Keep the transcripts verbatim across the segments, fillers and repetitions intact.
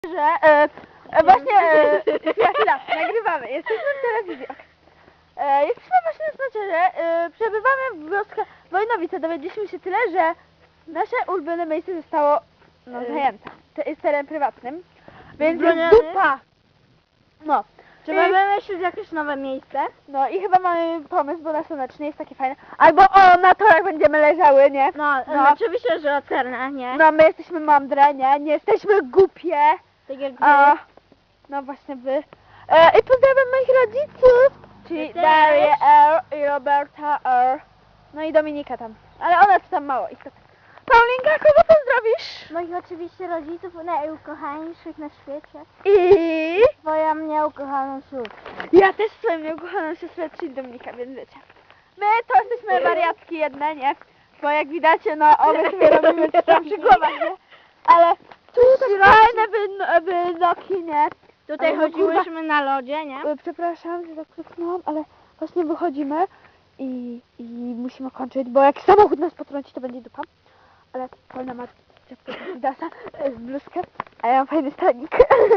że e, e, właśnie e, chwila, chwila, nagrywamy, jesteśmy w telewizji. E, jesteśmy właśnie na spacerze, e, przebywamy w wioskach Wojnowice. Dowiedzieliśmy się tyle, że nasze ulubione miejsce zostało no, zajęte. To jest teren prywatnym, więc jest Zbroniony. dupa. No. Trzeba I- wymyślić jakieś nowe miejsce. No i chyba mamy pomysł, bo na słonecznie jest takie fajne. Albo o, na torach będziemy leżały, nie? No, No. no. oczywiście, że ocerne, nie? No my jesteśmy mądre, nie? Nie jesteśmy głupie. Tak jak A, wy. no właśnie wy. E, I pozdrawiam moich rodziców, czyli Ja też. Darię R i Roberta R. No i Dominika tam. Ale ona to tam mało istotnie. Paulinka, kogo pozdrowisz? Moich oczywiście rodziców, najukochańszych na świecie. I Twoja mnie ukochaną siostrę. ja też swoją nieukochaną siostrę, czyli Dominika, więc wiecie. My to jesteśmy wariatki jedne, nie? Bo jak widać, no one sobie robimy coś tam przy głowach, nie? Ale tu fajne wyn- wynoki, nie? Tutaj Ale no, chodziłyśmy na lodzie, nie? E, Przepraszam, że tak krzyknęłam, ale właśnie wychodzimy i, i musimy kończyć, bo jak samochód nas potrąci, to będzie dupa. Ale Paulina ma czapkę Adidasa, to jest bluzkę, a ja mam fajny stanik.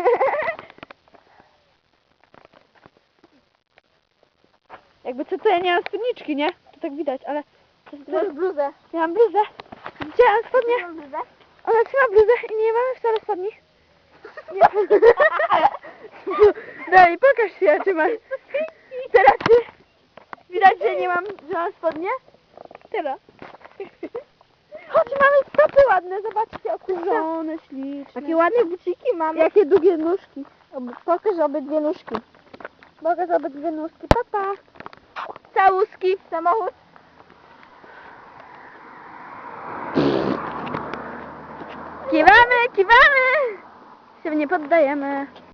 Jakby co, to ja nie mam spódniczki, nie? To tak widać, ale... To, to, Masz bluzę. ja mam bluzę. Gdzie ja mam spodnie? Masz bluzę? Ona trzyma bluzę i nie mamy wcale spodni. Nie. No i pokaż się, czy masz. Teraz ty. Widać, że nie mam, że mam spodnie? Teraz. Chodź, mamy stopy ładne, zobaczcie, okurzone, śliczne. Jakie ładne buciki mamy. Jakie długie nóżki. Ob- Pokaż obydwie nóżki. Mogę za obydwie nóżki, papa. Całuski. Samochód. Kiwamy, kiwamy. Się nie poddajemy.